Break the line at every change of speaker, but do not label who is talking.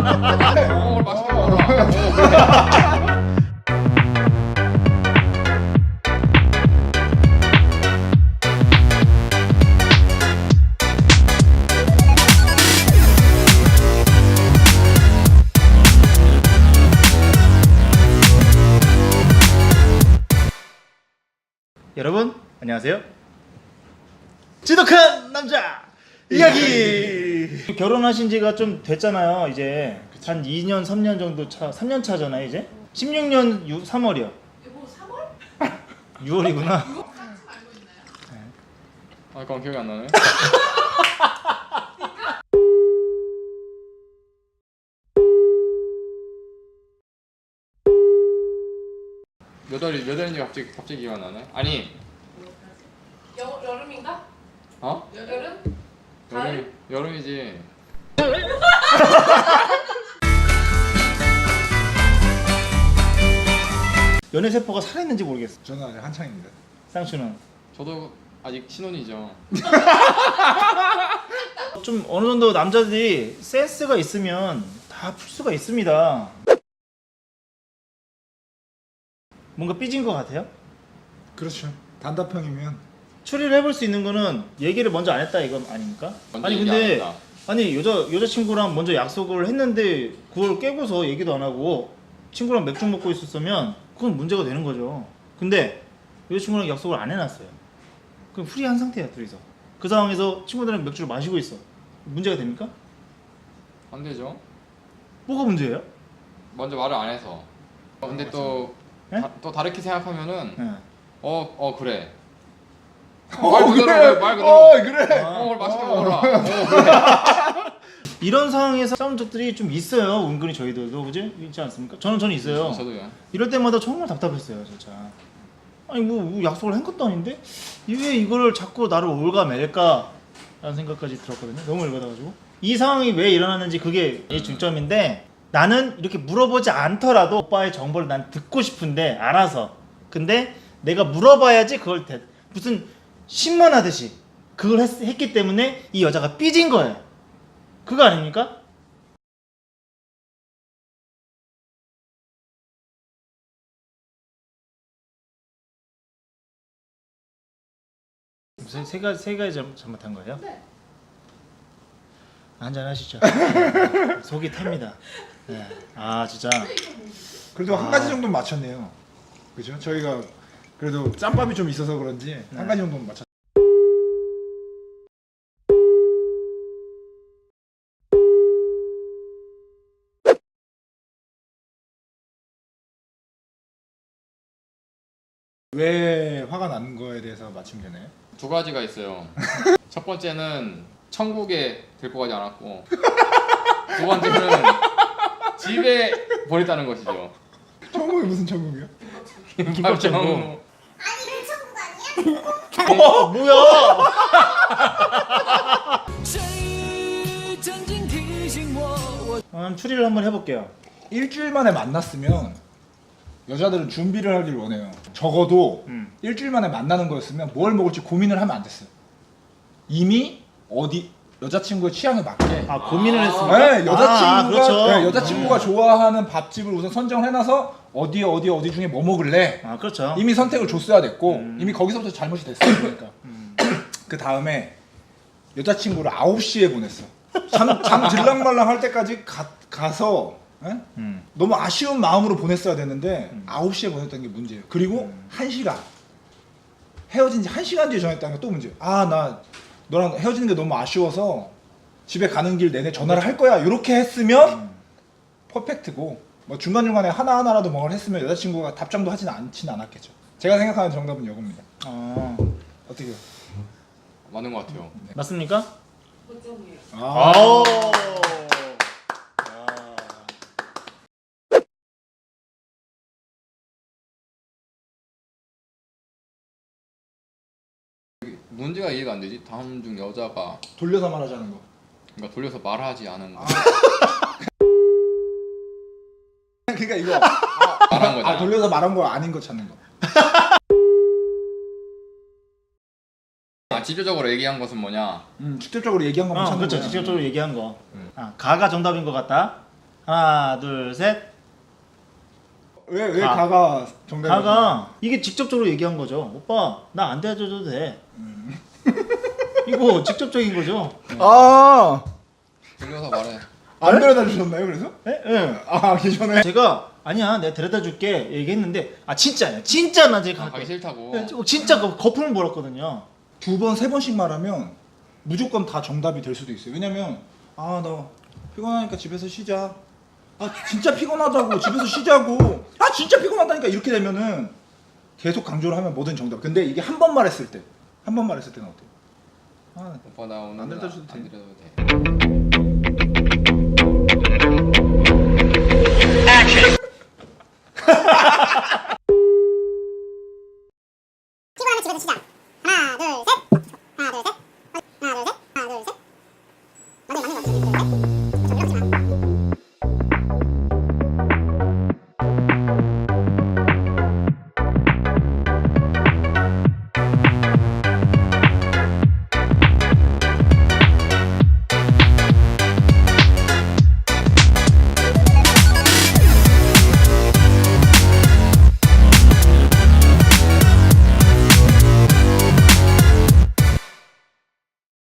오늘 맛있게 먹어라.
여러분 안녕하세요. 지독한 남자 이야기. 결혼하신 지가 좀 됐잖아요. 이제 한 2년 3년 정도 차, 3년 차잖아요. 이제 16년 3월이요.
여보 3월?
6월이구나.
알고 있나요?
아, 그건 기억이 안 나네. 몇 월인지 갑자기 기억 안 나네. 아니,
여름인가?
어?
여름? 가을?
여름이지.
연애 세포가 살아있는지 모르겠어.
저는 아직 한창입니다.
쌍추는
저도 아직 신혼이죠.
좀 어느 정도 남자들이 센스가 있으면 다 풀 수가 있습니다. 뭔가 삐진 것 같아요?
그렇죠. 단답형이면
추리를 해볼 수 있는 거는 얘기를 먼저 안 했다 이건 아닙니까?
먼저
아니
얘기 안
근데
했다.
아니 여자친구랑 먼저 약속을 했는데 그걸 깨고서 얘기도 안 하고 친구랑 맥주 먹고 있었으면 그건 문제가 되는 거죠. 근데 여자친구랑 약속을 안 해놨어요. 그럼 프리한 상태야 둘이서. 그 상황에서 친구들이랑 맥주를 마시고 있어. 문제가 됩니까?
안 되죠.
뭐가 문제예요?
먼저 말을 안 해서. 근데 또,
네?
또 다르게 생각하면은
네.
그래.
그래.
말 그대로.
그래.
오늘 맛있게 먹어라. 그래.
이런 상황에서 싸운 적들이 좀 있어요. 은근히 저희들도 그지? 있지 않습니까? 저는 있어요.
저도요.
이럴 때마다 정말 답답했어요, 진짜. 아니 뭐 약속을 한 것도 아닌데 왜 이거를 자꾸 나를 올가맬까 라는 생각까지 들었거든요. 너무 열받아가지고 이 상황이 왜 일어나는지 그게 이 중점인데 나는 이렇게 물어보지 않더라도 오빠의 정보를 난 듣고 싶은데 알아서 근데 내가 물어봐야지 그걸 무슨 신문하듯이 그걸 했기 때문에 이 여자가 삐진 거예요. 그거 아닙니까? 무슨 세 가지 잘못한 거예요?
네.
한잔 하시죠. 속이 탑니다. 네. 아 진짜.
그래도 한 가지 정도는 맞췄네요. 그죠? 저희가 그래도 짬밥이 좀 있어서 그런지 한 가지 정도는 맞췄. 왜 화가 나는 거에 대해서 맞추면 되나요?
두 가지가 있어요. 첫 번째는 천국에 데리고 가지 않았고, 두 번째는 집에 버렸다는 것이죠.
천국이 무슨 천국이요?
김밥정.
뭐야? 추리를 한번 해볼게요.
일주일 만에 만났으면 여자들은 준비를 하길 원해요. 적어도 일주일 만에 만나는 거였으면 뭘 먹을지 고민을 하면 안 됐어요. 이미 어디 여자친구의 취향에 맞게
고민을 했습니다.
네, 여자친구가
그렇죠.
네, 여자친구가 좋아하는 밥집을 우선 선정을 해놔서 어디 중에 뭐 먹을래
그렇죠.
이미 선택을 줬어야 됐고 이미 거기서부터 잘못이 됐어요. 그러니까 그 다음에 여자친구를 9시에 보냈어. 잠 들랑말랑 할 때까지 가서 너무 아쉬운 마음으로 보냈어야 됐는데 9시에 보냈다는 게 문제예요. 그리고 1시간 헤어진 지 1시간 뒤에 전화했다는 게 또 문제예요. 나 너랑 헤어지는 게 너무 아쉬워서 집에 가는 길 내내 전화를 할 거야. 이렇게 했으면 퍼펙트고 뭐 중간중간에 하나하나라도 뭔가를 했으면 여자친구가 답장도 하진 않았겠죠. 제가 생각하는 정답은 이겁니다. 어떻게요?
맞는 것 같아요.
맞습니까?
고정이에요.
아우.
문제가 이해가 안 되지. 다음 중 여자가
돌려서 말하자는 거.
그러니까 돌려서 말하지 않은 거.
그러니까 이거
말한 거잖아.
돌려서 말한 거 아닌 거 찾는 거.
직접적으로 얘기한 것은 뭐냐?
직접적으로 얘기한 것만 찾는
그렇죠.
거야.
직접적으로 얘기한 거. 가가 정답인 것 같다. 하나 둘 셋.
왜
가.
가가 정답이
가가 이게 직접적으로 얘기한 거죠. 오빠 나 안 대줘도 돼. 이거 직접적인 거죠.
아,
돌려서 말해.
안 데려다 주셨나요 그래서?
예? 예.
아, 기존에
제가 아니야 내가 데려다 줄게 얘기했는데 아 진짜야 진짜 나 지금 갈
가기
거야.
싫다고.
진짜 거품을 몰았거든요.
2번, 3번씩 말하면 무조건 다 정답이 될 수도 있어요. 왜냐면 아, 나 피곤하니까 집에서 쉬자. 아, 진짜 피곤하다고 집에서 쉬자고. 아, 진짜 피곤하다니까 이렇게 되면은 계속 강조를 하면 뭐든 정답. 근데 이게 한 번 말했을 때, 한 번 말했을 때는 어때요? 아,
오빠 나 오늘
안 데려다 줘도
안
돼.
데려도 돼.